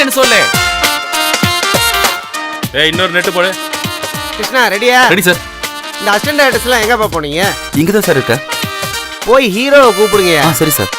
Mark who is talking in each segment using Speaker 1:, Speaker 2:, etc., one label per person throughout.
Speaker 1: வரேன்னு சொல்லு.
Speaker 2: இன்னொரு நெட்டு போடு.
Speaker 3: கிருஷ்ணா ரெடியா?
Speaker 1: Ready sir.
Speaker 3: இந்த அசிஸ்டன்ட் டைரக்டர்ஸ்லாம் எங்கப்பா போனீங்க?
Speaker 4: இங்க தான் சார் இருக்க.
Speaker 3: போய் ஹீரோவை கூப்பிடுங்க.
Speaker 4: சரி sir.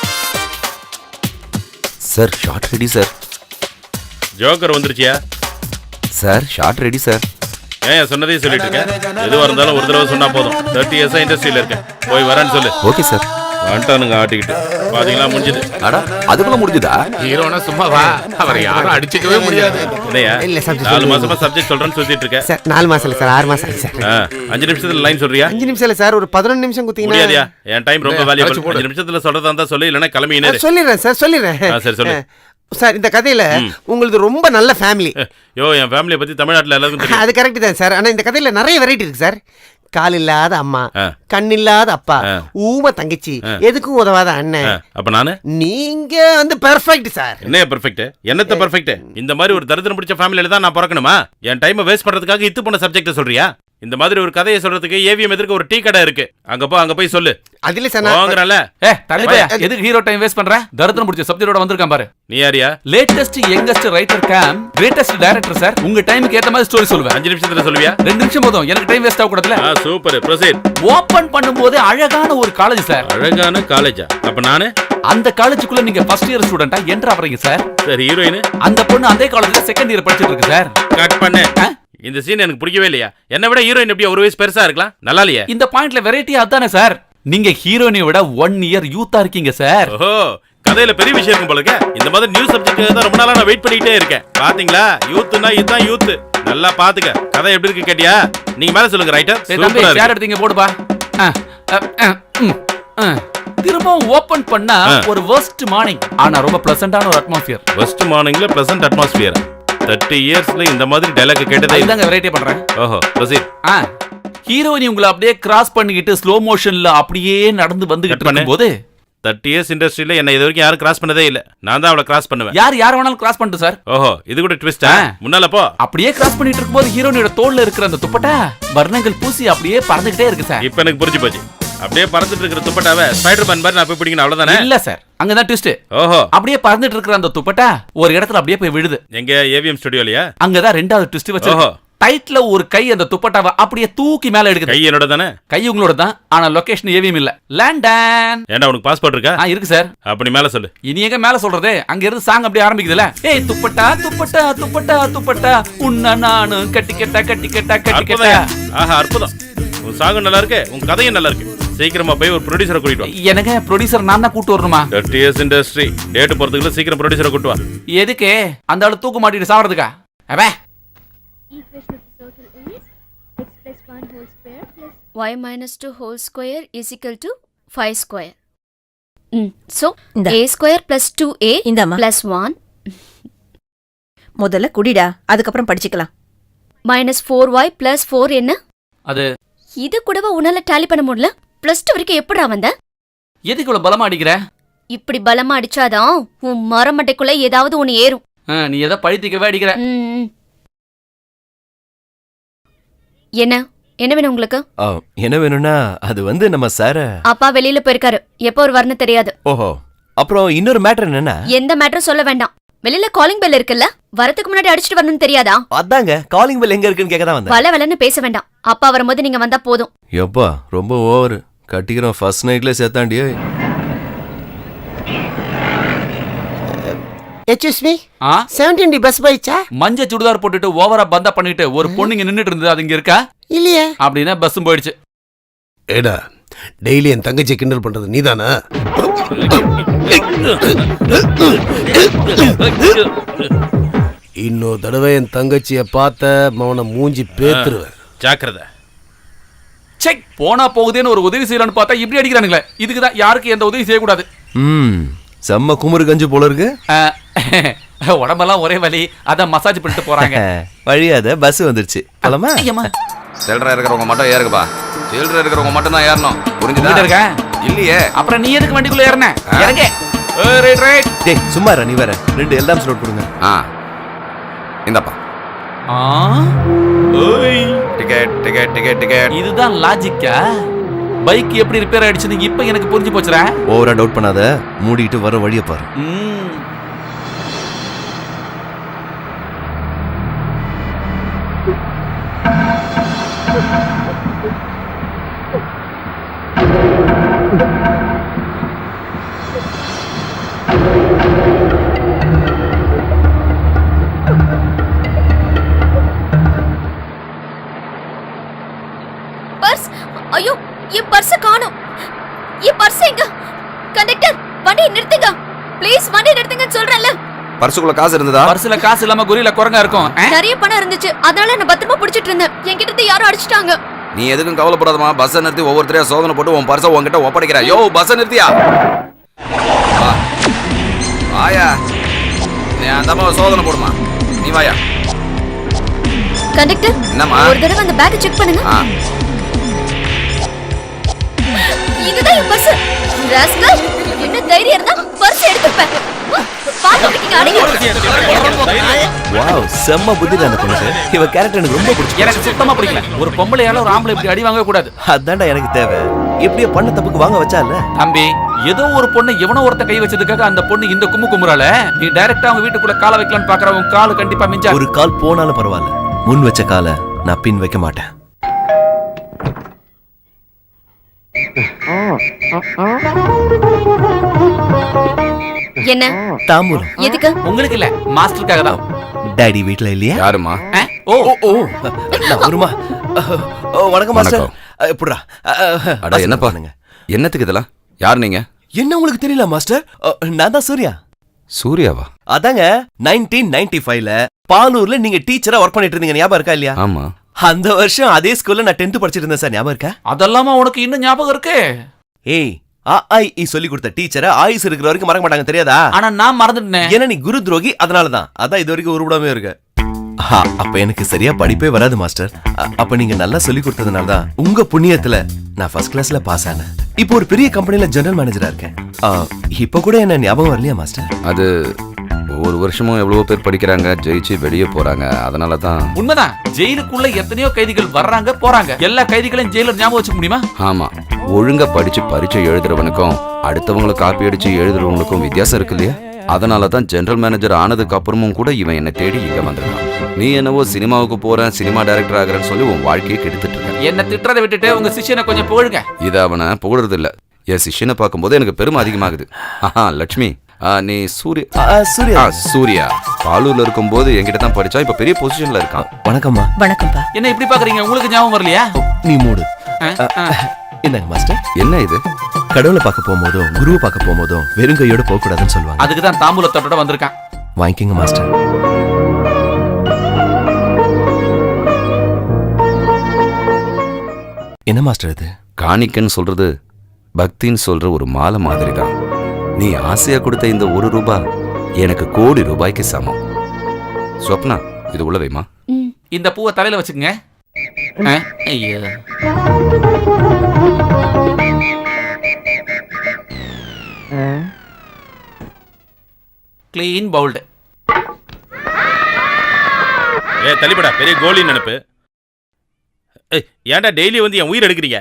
Speaker 4: Sir shot ready sir.
Speaker 2: Joker வந்துருச்சியா?
Speaker 4: Sir shot ready sir.
Speaker 2: ஏன் சொன்னதே சொல்லிட்டு இருக்கேன். எதுவாக இருந்தாலும் ஒரு தடவை சொன்னா போதும். 30 இயர்ஸா இண்டஸ்ட்ரியில இருக்கேன். போய் வரேன்னு சொல்லு.
Speaker 4: Okay sir.
Speaker 2: வந்துட்டானுங்க ஆட்டிக்கிட்டு. பாத்தீங்களா முடிஞ்சது.
Speaker 4: அடா அதுக்குள்ள முடிஞ்சதா?
Speaker 1: ஹீரோனா சும்மா வா, அவர் யாரும் அடிச்சுக்கவே முடியாது.
Speaker 2: இல்லையா?
Speaker 3: இல்ல சப்ஜெக்ட்
Speaker 2: 4 மாசமா சப்ஜெக்ட் சொல்றேன்னு சொல்லிட்டு இருக்கேன்.
Speaker 3: சார் 4 மாசம் இல்ல சார் 6 மாசம் சார்.
Speaker 2: 5 நிமிஷத்துல லைன் சொல்றியா?
Speaker 3: 5 நிமிஷம் இல்ல சார், ஒரு 11 நிமிஷம் குத்தீங்கன்னா
Speaker 2: முடியாதியா? என் டைம் ரொம்ப வேல்யூபிள். 5 நிமிஷத்துல சொல்றதா இருந்தா சொல்லு, இல்லனா கிளம்பினே.
Speaker 3: சொல்லிடுறேன் சார் சொல்லிடுறேன்.
Speaker 2: சரி சொல்லு
Speaker 3: சார். இந்த கதையில உங்களுக்கு ரொம்ப நல்ல ஃபேமிலி.
Speaker 2: என் ஃபேமிலியை பத்தி தமிழ்நாட்டுல எல்லாருக்கும் தெரியும்.
Speaker 3: அது கரெக்ட் தான் சார். ஆனா இந்த கதையில நிறைய வெரைட்டி இருக்கு சார். கால் இல்லாத அம்மா, கண் இல்லாத அப்பா, ஊம தங்கச்சி, எதுக்கும் உதவாத அண்ணன்.
Speaker 2: அப்ப நானு
Speaker 3: நீங்க வந்து பெர்ஃபெக்ட் சார்.
Speaker 2: என்ன பெர்ஃபெக்ட்? என்னத்த பெர்ஃபெக்ட்? இந்த மாதிரி ஒரு தரித்திரம் பிடிச்ச ஃபேமிலியில தான் நான் பிறக்கணுமா? என் டைமை வேஸ்ட் பண்றதுக்காக இத்து போன சப்ஜெக்ட சொல்றியா? இந்த மாதிரி ஒரு கதையை சொல்றதுக்கு ஏவிஎம் எதிர்க்க ஒரு டீ கடை இருக்கு. அங்க போய் சொல்லு.
Speaker 3: அதுல சார்
Speaker 2: வாங்குறல.
Speaker 1: தள்ளி போய் எதுக்கு ஹீரோ டைம் வேஸ்ட் பண்ற? தரித்திரம் பிடிச்ச சப்ஜெக்டோட வந்திருக்கான் பாரு.
Speaker 2: நீ யாரியா?
Speaker 1: Latest youngest writer cum greatest director sir. உங்க டைமுக்கு ஏத்த மாதிரி ஸ்டோரி சொல்லுவேன்.
Speaker 2: 5 நிமிஷத்துல சொல்லுவியா?
Speaker 1: 2 நிமிஷம் போதும். எனக்கு டைம் வேஸ்ட் ஆக கூடாதுல.
Speaker 2: Super proceed.
Speaker 1: ஓபன் பண்ணும்போது அழகான ஒரு காலேஜ் சார்.
Speaker 2: அழகான காலேஜா? அப்ப நானு
Speaker 1: அந்த காலேஜுக்குள்ள நீங்க ஃபர்ஸ்ட் இயர் ஸ்டூடெண்டா என்டர் ஆவறீங்க சார்.
Speaker 2: சரி ஹீரோயின்
Speaker 1: அந்த பொண்ணு அதே காலேஜ்ல செகண்ட் இயர் படிச்சிட்டு இருக்கு சார்.
Speaker 2: கட் பண்ணு. இந்த சீன் எனக்கு பிடிக்கவே இல்லையா? என்ன விட ஹீரோயின் எப்படி ஒரு வயசு பெருசா இருக்கலாம்? நல்லா இல்லையா?
Speaker 1: இந்த பாயிண்ட்ல வெரைட்டி அதானே சார். நீங்க ஹீரோயினை விட 1 இயர் யூத்தா இருக்கீங்க சார்.
Speaker 2: ஓஹோ, கதையில பெரிய விஷயம் இருக்கும் போல. இந்த மாதிரி நியூ சப்ஜெக்ட் தான் ரொம்ப நாளா நான் வெயிட் பண்ணிட்டே இருக்கேன். பாத்தீங்களா? யூத்னா இதுதான் யூத். நல்லா பாத்துக்க. கதை எப்படி இருக்கு கேட்டியா? நீங்க மேல சொல்லுங்க ரைட்டர்.
Speaker 1: தம்பி ஷேர் எடுத்தீங்க போடுப்பா. திரும்பவும் ஓபன் பண்ணா ஒரு வர்ஸ்ட் மார்னிங், ஆனா ரொம்ப பிளசன்டான ஒரு அட்மாஸ்பியர்.
Speaker 2: வர்ஸ்ட் மார்னிங்ல பிளசன்ட் அட்மாஸ்பியர். 30 இயர்ஸ்ல இந்த மாதிரி டயலாக் கேட்டதே
Speaker 1: இல்லங்க. வெரைட்டி பண்றேன்.
Speaker 2: ஓஹோ ப்ரோசீட்.
Speaker 1: ஹீரோயினி உங்களை அப்படியே கிராஸ் பண்ணிக்கிட்டு ஸ்லோ மோஷன்ல அப்படியே நடந்து வந்துகிட்டு இருக்கும்போது
Speaker 2: 30 இயர்ஸ் இண்டஸ்ட்ரியில என்ன இது வரைக்கும் யாரும் கிராஸ் பண்ணதே இல்ல. நான் தான் அவளை கிராஸ் பண்ணுவேன்.
Speaker 1: யார் வேணாலும் கிராஸ் பண்ணிட்டு சார்.
Speaker 2: ஓஹோ, இது கூட ட்விஸ்டா? முன்னால போ.
Speaker 1: அப்படியே கிராஸ் பண்ணிட்டு இருக்கும்போது ஹீரோயினோட தோள்ல இருக்கிற அந்த துப்பட்டா வர்ணங்கள் பூசி அப்படியே பறந்துகிட்டே இருக்கு சார்.
Speaker 2: இப்போ எனக்கு புரிஞ்சு போச்சு. அப்படியே பறந்துட்டு இருக்கிற துப்பட்டாவை ஸ்பைடர்மேன் மாதிரி நான் போய் பிடிக்கணும் அவ்வளவுதானே?
Speaker 1: இல்ல சார், அங்கதான் ட்விஸ்ட்.
Speaker 2: ஓஹோ,
Speaker 1: அப்படியே பறந்துட்டு இருக்கிற அந்த துப்பட்டா ஒரு இடத்துல அப்படியே போய் விழுது.
Speaker 2: எங்க ஏவிஎம் ஸ்டுடியோலயா?
Speaker 1: அங்கதான் ரெண்டாவது ட்விஸ்ட் வச்சு. ஓஹோ, டைட்ல ஒரு கை அந்த துப்பட்டாவை அப்படியே தூக்கி மேல எடுக்குது.
Speaker 2: கை என்னோட தானே?
Speaker 1: கை உங்களோட தான், ஆனா லொகேஷன் ஏவிஎம் இல்ல. லண்டன்.
Speaker 2: ஏண்டா உனக்கு பாஸ்போர்ட் இருக்கா?
Speaker 1: இருக்கு சார்.
Speaker 2: அப்ப நீ மேல சொல்லு.
Speaker 1: இனி எங்க மேல சொல்றது? அங்க இருந்து சாங் அப்படியே ஆரம்பிக்குதுல. ஏய் துப்பட்டா துப்பட்டா துப்பட்டா துப்பட்டா உன்ன நானு கட்டி கட்டா கட்டி கட்டா கட்டி கட்டா.
Speaker 2: ஆஹா அற்புதம். உன் சாங் நல்லா இருக்கு, உன் கதையும் நல்லா இருக்கு. சீக்கிரமா போய் ஒரு ப்ரொடியூசரை கூட்டிட்டு வா.
Speaker 1: எனக்கு ப்ரொடியூசர் நான் தான் கூட்டி வரணுமா?
Speaker 2: 30 இயர்ஸ் இண்டஸ்ட்ரி டேட் போறதுக்குள்ள சீக்கிரம் ப்ரொடியூசரை கூட்டி வா.
Speaker 1: எதுக்கு? அந்த ஆளு தூக்கு மாட்டிட்டு சாவறதுக்கா? அவே
Speaker 5: y minus 2 whole square is equal to 5 square. So a square plus 2a plus 1.
Speaker 6: முதல்ல குடிடா, அதுக்கப்புறம் படிச்சுக்கலாம்.
Speaker 5: minus 4y plus 4 என்ன?
Speaker 1: அது
Speaker 5: இது கூடவா உன்னால டாலி பண்ண முடியல? +2 வரைக்கும் எப்படிடா வந்த?
Speaker 1: எதுக்கு இவ்வளவு பலமா அடிக்கிற?
Speaker 5: இப்படி பலமா அடிச்சாதான் உன் மரமட்டைக்குள்ள ஏதாவது ஒன்னு ஏறும்.
Speaker 1: நீ எதை பழித்திக்கவே அடிக்கிற?
Speaker 5: என்ன என்ன வேணும் உங்களுக்கு?
Speaker 4: என்ன வேணும்னா அது வந்து நம்ம சார
Speaker 5: அப்பா வெளியில போயிருக்காரு. எப்போ ஒரு வரணும் தெரியாது.
Speaker 4: ஓஹோ, அப்புறம் இன்னொரு மேட்டர் என்னன்னா?
Speaker 5: எந்த மேட்டரும் சொல்ல வேண்டாம். வெளியில காலிங் பெல் இருக்குல்ல, வரதுக்கு முன்னாடி அடிச்சிட்டு வரணும்னு தெரியாதா?
Speaker 4: அதாங்க காலிங் பெல் எங்க இருக்குன்னு கேட்க தான் வந்தேன்.
Speaker 5: வல வலன்னு பேச வேண்டாம். அப்பா வரும்போது நீங்க வந்தா போதும்.
Speaker 4: எப்பா ரொம்ப ஓவர் கட்டிக்கிறோம். ஃபர்ஸ்ட் நைட்ல சேத்தாண்டியே.
Speaker 3: எக்ஸ்கியூஸ் மீ, 17D பஸ் போயிச்சா?
Speaker 1: மஞ்ச சுடிதார் போட்டுட்டு ஓவரா பந்தா பண்ணிட்டு ஒரு பொண்ணுங்க நின்னுட்டு இருந்தது, அது இங்க இருக்கா?
Speaker 3: இல்லையே.
Speaker 1: அப்படின்னா பஸ்ஸும் போயிடுச்சு.
Speaker 3: ஏடா டெய்லி என் தங்கச்சி கிண்டல் பண்றது நீதானா? இன்னொரு தடவை என் தங்கச்சிய பார்த்த மவனை மூஞ்சி பேத்துருவேன்.
Speaker 2: ஜாக்கிரதை.
Speaker 1: செக் போனா போகுதேன்னு ஒரு உதவி செய்யலான்னு பார்த்தா இப்படி அடிக்கிறானுங்களே. இதுக்குதான் யாருக்கு எந்த உதவி செய்யக்கூடாது.
Speaker 4: செம்ம குமுறு கஞ்சி போல இருக்கு.
Speaker 1: உடம்பெல்லாம் ஒரே வலி, அதான் மசாஜ் பண்ணிட்டு போறாங்க.
Speaker 4: வழியாத பஸ் வந்துருச்சு. போலாமா?
Speaker 7: சில்லறை இருக்கிறவங்க மட்டும் ஏறுங்கப்பா. சில்லறை இருக்கிறவங்க மட்டும் தான் ஏறணும். புரிஞ்சுதா?
Speaker 1: இருக்கேன்
Speaker 7: இல்லையே.
Speaker 1: அப்புறம் நீ எதுக்கு வண்டிக்குள்ள ஏறன? இறங்க. Right right.
Speaker 4: டேய் சும்மா நீ வர. 2 எல்லாம் ஸ்லோட் கொடுங்க.
Speaker 7: இந்தப்பா.
Speaker 1: ஓய்
Speaker 7: டிக்கெட் டிக்கெட் டிக்கெட் டிக்கெட்.
Speaker 1: இதுதான் லாஜிக்கா? பைக் எப்படி ரிப்பேர் ஆயிடுச்சுன்னு இப்ப எனக்கு புரிஞ்சு போச்சுடா.
Speaker 4: ஓவரா டவுட் பண்ணாத, மூடிட்டு வர வழியை பாரு.
Speaker 7: பர்சுக்குள்ள காசு இருந்ததா?
Speaker 1: பர்சுல காசு இல்லாம குறியில குரங்கா இருக்கும்.
Speaker 5: நிறைய பணம் இருந்துச்சு, அதனால என்ன பத்திரமா புடிச்சிட்டு இருந்தேன். என்கிட்ட இருந்து யாரும் அடிச்சிட்டாங்க.
Speaker 7: நீ எதுக்கும் கவலைப்படாதமா. பஸ்ஸை நிறுத்தி ஒவ்வொருத்தரையா சோதனை போட்டு உன் பர்சை உன்கிட்ட ஒப்படைக்கிற. யோ பஸ்ஸை நிறுத்தியா? வாயா, நீ அந்த அம்மாவை சோதனை போடுமா. நீ வாயா.
Speaker 5: கண்டக்டர்,
Speaker 7: என்னம்மா?
Speaker 5: ஒரு தடவை அந்த பேக்கை செக் பண்ணுங்க. இதுதான் என் பர்ஸ். ராஸ்கல், என்ன தைரியம் இருந்தா பர்ஸ் எடுத்துப்பேன். பாத்துக்கிட்டீங்க அடிங்க.
Speaker 4: வாவ், செம்ம புத்திடா அந்த பொண்ணுக்கு. இவ கேரக்டர் எனக்கு ரொம்ப பிடிச்சி.
Speaker 1: எனக்கு சுத்தமா பிடிக்கல. ஒரு பொம்பளையால ஒரு ஆம்பளை இப்படி அடி வாங்க கூடாது.
Speaker 4: அதான்டா எனக்கு தேவை. இப்படியே பண்ண தப்புக்கு வாங்க வச்சால.
Speaker 1: தம்பி, ஏதோ ஒரு பொண்ணு எவனோ ஒருத்த கை வச்சதுக்காக அந்த பொண்ணு இந்த கும்முறால. நீ டைரக்டா அவங்க வீட்டுக்குள்ள காலை வைக்கலாம்னு பாக்குற. உன் கால் கண்டிப்பா மிஞ்சா.
Speaker 4: ஒரு கால் போனாலும் பரவாயில்ல, முன் வச்ச காலை நான் பின் வைக்க மாட்டேன்.
Speaker 5: என்ன
Speaker 4: தாம்பூலம்
Speaker 5: எதுக்கு?
Speaker 1: உங்களுக்கு இல்ல, மாஸ்டருக்காக தான்.
Speaker 4: டாடி வீட்ல இல்லையா?
Speaker 7: யாருமா?
Speaker 1: ஓ
Speaker 4: ஓ நான் வருமா? வணக்கம் மாஸ்டர். எப்படிடா?
Speaker 7: அட என்னப்பா என்னத்துக்கு இதெல்லாம்? யார் நீங்க?
Speaker 4: என்ன உங்களுக்கு தெரியல மாஸ்டர்? நான் தான் சூர்யா.
Speaker 7: சூர்யாவா?
Speaker 4: அதாங்க 1995ல பாலூர்ல நீங்க டீச்சரா ஒர்க் பண்ணிட்டு இருந்தீங்க, ஞாபகம் இருக்கா இல்லையா?
Speaker 7: ஆமா.
Speaker 4: அந்த வருஷம் அதே ஸ்கூல்ல நான் 10th படிச்சிட்டு இருந்தேன் சார், ஞாபகம் இருக்கா?
Speaker 1: அதெல்லாமா உனக்கு இன்னும் ஞாபகம் இருக்கு?
Speaker 4: ஏய், AIE சொல்லி கொடுத்த டீச்சரை ஆயுஸ் இருக்கிற வரைக்கும் மறக்க மாட்டாங்க, தெரியாதா?
Speaker 1: ஆனா நான் மறந்துட்டேன்.
Speaker 4: ஏன்னா நீ குரு துரோகி, அதனாலதான். அதான் இது வரைக்கும் உருப்படாமே இருக்கு. அப்ப எனக்கு சரியா படிப்பே வராது மாஸ்டர். அப்ப நீங்க நல்லா சொல்லி கொடுத்ததுனாலதான் உங்க புண்ணியத்துல நான் ஃபர்ஸ்ட் கிளாஸ்ல பாஸ் ஆனேன். இப்போ ஒரு பெரிய கம்பெனில ஜெனரல் மேனேஜரா இருக்கேன். இப்ப கூட என்ன ஞாபகம் வரலையா மாஸ்டர்?
Speaker 7: அது ஒவ்வொரு வருஷமும் எவ்வளவோ பேர் படிக்கிறாங்க, ஜெயிச்சு வெளியே போறாங்க. அதனால தான்.
Speaker 1: உண்மைதான், ஜெயிலுக்குள்ள எத்தனையோ கைதிகள் வர்றாங்க போறாங்க. எல்லா கைதிகளையும் ஜெயிலர் ஞாபகம் வச்சுக்க முடியுமா?
Speaker 7: ஆமா, ஒழுங்கா படிச்சு பரீட்சை எழுதுறவனுக்கும் அடுத்தவங்களை காப்பி அடிச்சு எழுதுறவங்களுக்கும் வித்தியாசம் இருக்கு இல்லையா? அதனால தான் ஜெனரல் மேனேஜர் ஆனதுக்கு அப்புறமும் கூட இவன் என்னை தேடி இங்க வந்திருக்கான். நீ என்னவோ சினிமாவுக்கு போறேன், சினிமா டைரக்டர் ஆகிறேன்னு சொல்லி உன் வாழ்க்கையை கெடுத்துட்டு இருக்க.
Speaker 1: என்ன திட்டுறதை விட்டுட்டு உங்க சிஷ்யனை கொஞ்சம் புகழுங்க.
Speaker 7: இதை அவனை புகழறது இல்ல. என் சிஷ்யனை பார்க்கும்போது எனக்கு பெருமை அதிகமாகுது. லட்சுமி, நீ
Speaker 4: சூர்யா.
Speaker 7: சூர்யா பாலூர்ல இருக்கும்போது என்கிட்ட தான் படிச்சா, இப்ப பெரிய பொசிஷன்ல இருக்கான்.
Speaker 4: வணக்கம்மா.
Speaker 6: வணக்கம்பா.
Speaker 1: என்ன இப்படி பாக்குறீங்க? உங்களுக்கு ஞாபகம் வரலையா?
Speaker 4: நீ மூடு. என்னங்க மாஸ்டர்?
Speaker 7: என்ன இது?
Speaker 4: கடவுளை பார்க்க போகும்போதும் குருவை பார்க்க போகும்போதும் வெறும் கையோட போக கூடாதுன்னு சொல்லுவாங்க.
Speaker 1: அதுக்கு தான் தாம்பூலத்தோட வந்திருக்கான்.
Speaker 4: வாங்கிக்கங்க மாஸ்டர். என்ன மாஸ்டர் இது?
Speaker 7: காணிக்கன்னு சொல்றது பக்தின்னு சொல்ற ஒரு மாலை மாதிரி தான். நீ ஆசையா கொடுத்த இந்த ₹1 எனக்கு கோடி ரூபாய்க்கு சமம். ஸ்வப்னா, இது உள்ள வைமா.
Speaker 1: இந்த பூவை தலையில வச்சுக்கங்க. ஐயோ, கிளீன் பவுல்டு.
Speaker 2: தள்ளிப்படா, பெரிய கோலி நினைப்பு. ஏன்டா டெய்லி வந்து என் உயிர் எடுக்கிறீங்க?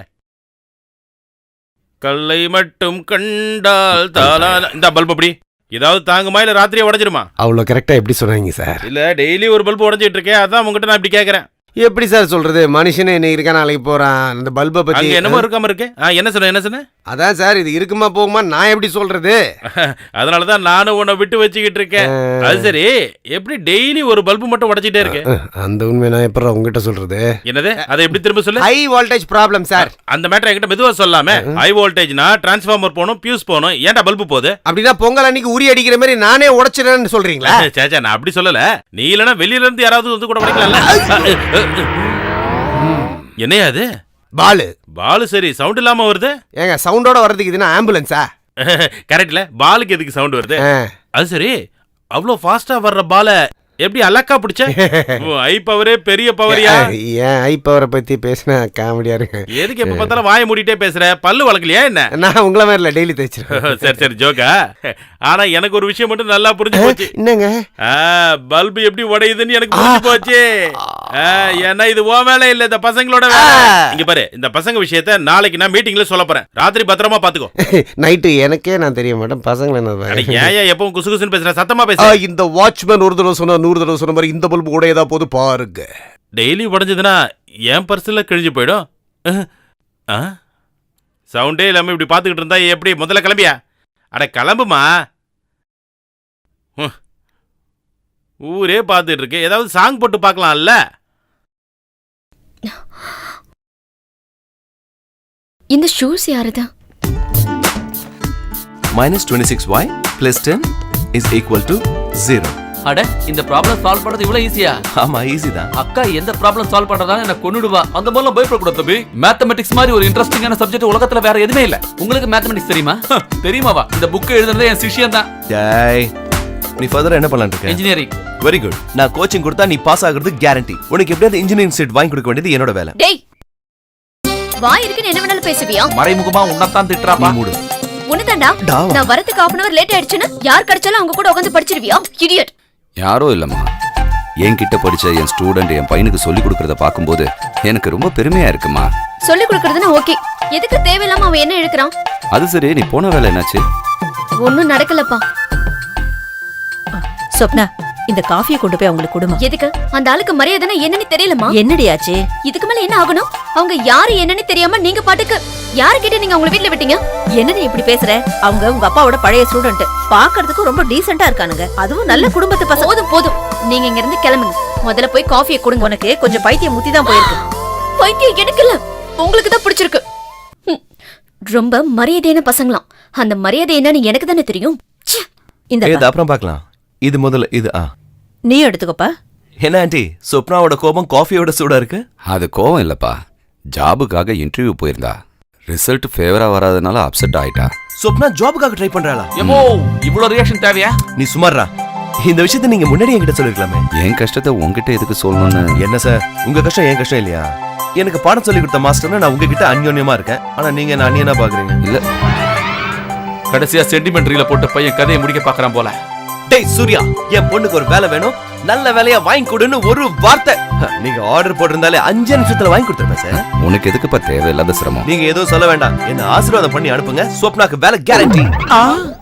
Speaker 2: கல்லை மட்டும் கண்டால் தாளா. இந்த பல்ப் அப்படி ஏதாவது தாங்குமா இல்ல ராத்திரியே உடைஞ்சிருமா?
Speaker 3: அவ்வளோ கரெக்டா எப்படி சொன்னாங்க சார்?
Speaker 2: இல்ல டெய்லி ஒரு பல்ப் உடைஞ்சிட்டு இருக்கேன், அதான் உங்ககிட்ட நான் இப்படி கேக்குறேன்.
Speaker 3: எப்படி சார் சொல்றது? மனுஷனே இன்னைக்கு இருக்கா, நாளைக்கு போறான். அந்த பல்பை பத்தி
Speaker 2: அங்க என்னமோ இருக்காம இருக்கு. என்ன சொன்ன?
Speaker 3: அதான் சார், இது இருக்குமா போகுமா நான் எப்படி சொல்றது?
Speaker 2: அதனாலதான் நானும் உன்னை விட்டு வச்சுக்கிட்டு இருக்கேன். அது சரி, எப்படி டெய்லி ஒரு பல்பு மட்டும் உடைச்சிட்டே இருக்கு?
Speaker 3: அந்த உண்மை நான் எப்படி உங்ககிட்ட சொல்றது?
Speaker 2: என்னது? அதை எப்படி திரும்ப சொல்லு.
Speaker 3: High voltage problem sir.
Speaker 2: அந்த மேட்டர் என்கிட்ட மெதுவா சொல்லாம. ஹை வோல்டேஜ்னா டிரான்ஸ்ஃபார்மர் போகணும், பியூஸ் போகணும். ஏன்டா பல்பு போகுது?
Speaker 3: அப்படின்னா பொங்கல் அன்னைக்கு உரி அடிக்கிற மாதிரி நானே உடைச்சிடறேன்னு சொல்றீங்களா?
Speaker 2: சேச்சா, நான் அப்படி சொல்லல. நீ இல்லனா வெளியில இருந்து யாராவது வந்து கூட உடைக்கலாம்ல. என்னையா அது?
Speaker 3: பாலு.
Speaker 2: சரி, சவுண்ட் இல்லாம வருது.
Speaker 3: ஏங்க, சவுண்டோட வர்றதுக்கு இதுனா ஆம்புலன்ஸா?
Speaker 2: கரெக்ட்ல, பாலுக்கு எதுக்கு சவுண்ட் வருது? அது சரி, அவ்வளோ ஃபாஸ்டா வர்ற பால எப்படி அலக்கா பிடிச்ச? ஐ பவரே பெரிய பவரியா?
Speaker 3: ஏன் ஐ பவரை பத்தி பேசினா காமெடியா இருக்கு.
Speaker 2: எதுக்கு எப்ப பார்த்தாலும் வாயை மூடிட்டே பேசுற? பல்லு வளர்க்கலையா என்ன?
Speaker 3: நான் உங்கள மாதிரி இல்ல, டெய்லி தேய்ச்சிருக்கேன்.
Speaker 2: சரி ஜோக்கா. ஆனா எனக்கு ஒரு விஷயம் மட்டும் நல்லா புரிஞ்சு போச்சு.
Speaker 3: என்னங்க?
Speaker 2: பல்பு எப்படி உடையுதுன்னு எனக்கு புரிஞ்சு போச்சு. ஏன்னா இது உன் வேலை இல்ல, இந்த பசங்களோட வேலை. இங்க பாரு, இந்த பசங்க விஷயத்த நாளைக்கு நான் மீட்டிங்ல சொல்ல போறேன். ராத்திரி பத்திரமா பாத்துக்கோ.
Speaker 3: நைட்டு எனக்கே நான் தெரிய மாட்டேன், பசங்களை என்ன
Speaker 2: ஏன் எப்பவும் குசு குசுன்னு பேசுற? சத்தமா பேச.
Speaker 3: இந்த வாட்ச்மேன் ஒரு தடவை சொன்னா 100 தடவை சொன்ன மாதிரி இந்த பல்பு உடையதா போது பாருங்க.
Speaker 2: டெய்லி உடைஞ்சதுன்னா என் பர்ஸ்ல கிழிஞ்சு போயிடும். சவுண்டே இல்லாம இப்படி பாத்துக்கிட்டு இருந்தா எப்படி? முதல்ல கிளம்பியா? அட கிளம்புமா. ஊரே பாத்துட்டு இருக்கு, ஏதாவது சாங் போட்டு பார்க்கலாம்ல.
Speaker 5: இந்த ஷூஸ் யாருதா?
Speaker 4: -26y + 10 = 0.
Speaker 1: அட இந்த ப்ராப்ளம் சால்வ் பண்றது இவ்வளவு ஈஸியா?
Speaker 4: ஆமா ஈஸி தான்.
Speaker 1: அக்கா எந்த ப்ராப்ளம் சால்வ் பண்றதால என்ன கொன்னுடுவா. அந்த மாதிரிலாம் பயப்படக்கூடாது தம்பி. மேத்தமெட்டிக்ஸ் மாதிரி ஒரு இன்ட்ரெஸ்டிங்கான சப்ஜெக்ட் உலகத்துல வேற எதுவுமே இல்ல. உங்களுக்கு மேத்தமெட்டிக்ஸ் தெரியுமா? தெரியுமாவா? இந்த புக் எழுதுனதே என் சிஷ்யன் தான்.
Speaker 4: டேய் நீ ஃபர்தரா என்ன பண்ணலாம்னு இருக்க?
Speaker 1: இன்ஜினியரிங்.
Speaker 4: Very good. நான் கோச்சிங் கொடுத்தா நீ பாஸ் ஆகுறது கேரண்டி. உனக்கு எப்படியாவது இன்ஜினியரிங் சீட் வாங்கி கொடுக்க வேண்டியது என்னோட வேலை.
Speaker 5: டேய் வாய் இருக்குன்னு என்ன வேணாலும் பேசுவியா?
Speaker 1: மறைமுகமா உன்னதான் திட்டுறாப்பா.
Speaker 4: நீ மூடு.
Speaker 5: உன்னதாண்டா
Speaker 4: டாவா.
Speaker 5: நான் வரதுக்கு 1/2 hour லேட் ஆயிடுச்சுன்னா யார் கிடைச்சாலும் அவங்க கூட உட்காந்து படிச்சிருவியா? இடியட்.
Speaker 7: யாரோ இல்லம்மா, என்கிட்ட படிச்ச என் ஸ்டூடெண்ட் என் பையனுக்கு சொல்லி கொடுக்கறத பார்க்கும்போது எனக்கு ரொம்ப பெருமையா இருக்குமா.
Speaker 5: சொல்லி கொடுக்கறதுனா ஓகே, எதுக்கு தேவையில்லாம அவன் என்ன இழுக்கிறான்?
Speaker 7: அது சரி, நீ போன வேலை என்னாச்சு?
Speaker 5: ஒன்னும் நடக்கலப்பா.
Speaker 6: சொப்னா, இந்த காஃபியை கொண்டு போய் அவங்களுக்கு கொடுமா.
Speaker 5: எதுக்கு? அந்த ஆளுக்கு மரியாதைனா என்னன்னு தெரியலமா?
Speaker 6: என்னடி ஆச்சு?
Speaker 5: இதுக்கு மேல என்ன ஆகணும்? அவங்க யாரு என்னன்னு தெரியாம நீங்க பாட்டுக்கு யாருக்கிட்ட நீங்க அவங்கள வீட்ல விட்டீங்க?
Speaker 6: என்னடி இப்படி பேசுற? அவங்க உங்க அப்பாவோட பழைய ஸ்டூடெண்ட், பாக்குறதுக்கு ரொம்ப டீசென்ட்டா இருக்கானுங்க. அதுவும் நல்ல குடும்பத்து பசங்க.
Speaker 5: போதும் போதும், நீங்க இங்க இருந்து கிளம்புங்க. முதல்ல போய் காஃபியை கொடுங்க.
Speaker 6: உனக்கு கொஞ்சம் பைத்தியம் முத்தி தான் போயிருக்கு.
Speaker 5: பைத்தியம் எனக்கு இல்ல, உங்களுக்கு தான் பிடிச்சிருக்கு. ரொம்ப மரியாதையான பசங்களாம். அந்த மரியாதை என்னன்னு எனக்கு தானே தெரியும். ச்சே.
Speaker 6: இந்த
Speaker 4: இது அப்புறம் பார்க்கலாம். இது முதல்ல இது
Speaker 6: நீ எடுத்துக்கோப்பா.
Speaker 4: என்ன ஆண்டி சொப்னாவோட கோபம் காஃபியோட சூடா இருக்கு?
Speaker 7: அது கோவம் இல்லப்பா, ஜாபுக்காக இன்டர்வியூ போயிருந்தா ரிசல்ட் ஃபேவரா வராதனால அப்செட் ஆயிட்டா.
Speaker 4: சொப்னா ஜாபுக்காக ட்ரை பண்றாளா?
Speaker 1: எமோ இவ்வளவு ரியாக்ஷன் தேவையா?
Speaker 4: நீ சுமாரா. இந்த விஷயத்தை நீங்க முன்னாடி என்கிட்ட சொல்லிருக்கலாமே.
Speaker 7: என் கஷ்டத்தை உன்கிட்ட எதுக்கு சொல்லணும்னு.
Speaker 4: என்ன சார் உங்க கஷ்டம் என் கஷ்டம் இல்லையா? எனக்கு பாடம் சொல்லி கொடுத்த மாஸ்டர்னா நான் உங்ககிட்ட அந்யோன்யமா இருக்கேன். ஆனா நீங்க என்ன அந்நியனா பாக்குறீங்க.
Speaker 7: இல்ல,
Speaker 1: கடைசியா சென்டிமெண்ட்ரியில போட்டு பையன் கதையை முடிக்க பாக்குறான் போல.
Speaker 4: டேய் சூர்யா, என் பொண்ணுக்கு ஒரு வேலை வேணும், நல்ல வேலையா வாங்கி கொடுன்னு ஒரு வார்த்தை நீங்க ஆர்டர் போட்டிருந்தாலே 5 நிமிஷத்துல வாங்கி கொடுத்துருப்பேன் சார்.
Speaker 7: உனக்கு எதுக்குப்பா தேவையில்லாத சிரமம்?
Speaker 4: நீங்க எதுவும் சொல்ல வேண்டாம், என்ன ஆசீர்வாதம் பண்ணி அனுப்புங்க. சொப்னாக்கு வேலை கேரண்டி.